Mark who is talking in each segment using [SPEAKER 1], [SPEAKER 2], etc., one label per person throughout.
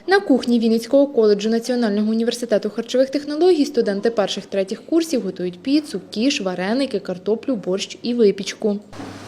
[SPEAKER 1] На кухні Вінницького коледжу Національного університету харчових технологій студенти перших-третіх курсів готують піцу, кіш, вареники, картоплю, борщ і випічку.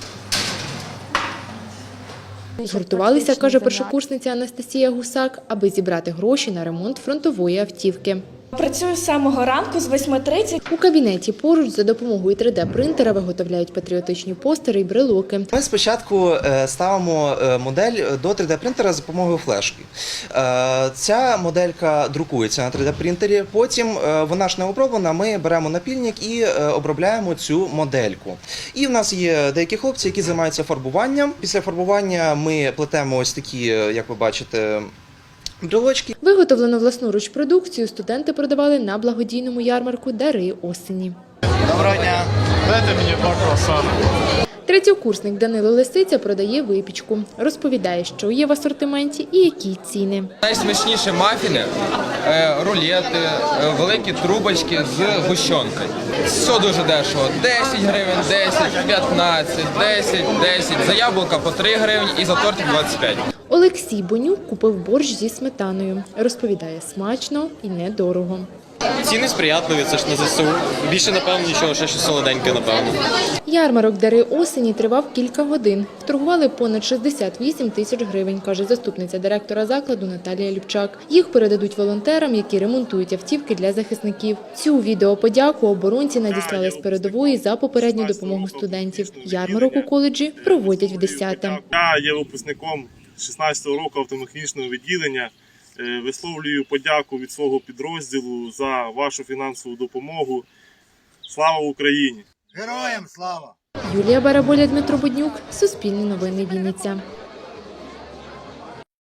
[SPEAKER 1] Згуртувалися, каже першокурсниця Анастасія Гусак, аби зібрати гроші на ремонт фронтової автівки.
[SPEAKER 2] Працюю з самого ранку, з 8:30.
[SPEAKER 1] У кабінеті поруч за допомогою 3D-принтера виготовляють патріотичні постери і брелоки.
[SPEAKER 3] Ми спочатку ставимо модель до 3D-принтера за допомогою флешки. Ця моделька друкується на 3D-принтері, потім вона ж не оброблена, ми беремо напільник і обробляємо цю модельку. І в нас є деякі хлопці, які займаються фарбуванням. Після фарбування ми плетемо ось такі, як ви бачите, брелочки.
[SPEAKER 1] Виготовлену власноруч продукцію студенти продавали на благодійному ярмарку «Дари осені».
[SPEAKER 4] Доброго дня! Дайте мені 2 круасани.
[SPEAKER 1] Третьокурсник Данило Лисиця продає випічку. Розповідає, що є в асортименті і які ціни.
[SPEAKER 5] Найсмачніші мафіни, рулети, великі трубочки з гущонкою. Все дуже дешево. 10 гривень, 10, 15, 10, 10. За яблука по 3 гривні і за тортик 25.
[SPEAKER 1] Олексій Бонюк купив борщ зі сметаною. Розповідає, смачно і недорого.
[SPEAKER 6] Ціни сприятливі, це ж на ЗСУ. Більше, напевно, нічого, ще щось солоденьке, напевно.
[SPEAKER 1] Ярмарок «Дари осені» тривав кілька годин. Вторгували понад 68 тисяч гривень, каже заступниця директора закладу Наталія Любчак. Їх передадуть волонтерам, які ремонтують автівки для захисників. Цю відеоподяку оборонці надіслали з передової за попередню допомогу студентів. Ярмарок у коледжі проводять вдесяте.
[SPEAKER 7] Я є випускником 16-го року автомеханічного відділення. Висловлюю подяку від свого підрозділу за вашу фінансову допомогу. Слава Україні!
[SPEAKER 4] Героям слава!
[SPEAKER 1] Юлія Бараболя, Дмитро Буднюк. Суспільне новини, Вінниця.